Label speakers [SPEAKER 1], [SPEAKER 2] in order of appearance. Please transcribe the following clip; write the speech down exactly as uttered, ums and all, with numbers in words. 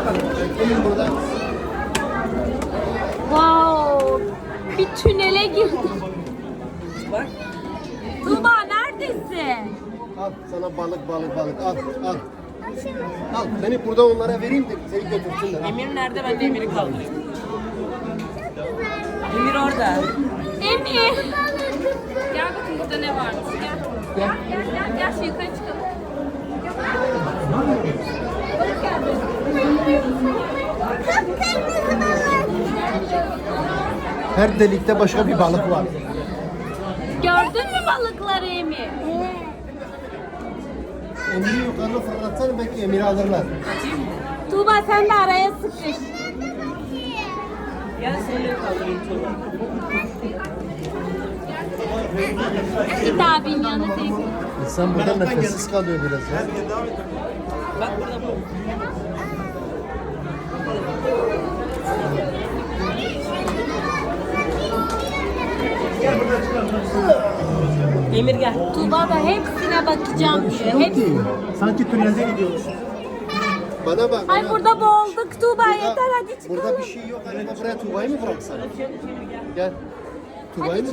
[SPEAKER 1] Bekleyin burada.
[SPEAKER 2] Wow. Bir tünele girdim.
[SPEAKER 3] Bak.
[SPEAKER 2] Tuğba neredesin?
[SPEAKER 1] Al sana balık balık balık al al. Al beni burada onlara vereyim de seni götürsünler. Al.
[SPEAKER 3] Emir nerede? Ben de Emir'i kaldırayım. Emir orada.
[SPEAKER 2] Emir. Gel bakın burada ne varmış. Gel. Gel gel gel. Gel şu yukarı çıkalım. Balık geldi.
[SPEAKER 1] Her delikte başka bir balık var.
[SPEAKER 2] Gördün mü balıkları Emir?
[SPEAKER 1] Emir'i yukarıda fırlatsana belki Emir'i alırlar.
[SPEAKER 2] Tuğba sen de araya sıkış.
[SPEAKER 3] Gel seni de kaldırayım Tuğba.
[SPEAKER 2] Git abinin yanına teyze.
[SPEAKER 1] İnsan burada nefessiz kalıyor biraz ya.
[SPEAKER 3] Bak burada bu. Emir gel.
[SPEAKER 2] Tuğba da hepsine bakacağım diyor. Hepsi.
[SPEAKER 1] Sanki tünelde gidiyoruz. Bana bak.
[SPEAKER 2] Ay
[SPEAKER 1] bana.
[SPEAKER 2] burada boğulduk Tuğba
[SPEAKER 1] Burada-
[SPEAKER 2] yeter hadi çıkalım.
[SPEAKER 1] Burada bir şey yok. Acaba buraya Tuğba'yı mı bıraksan? Gel. Tuğba'yı mı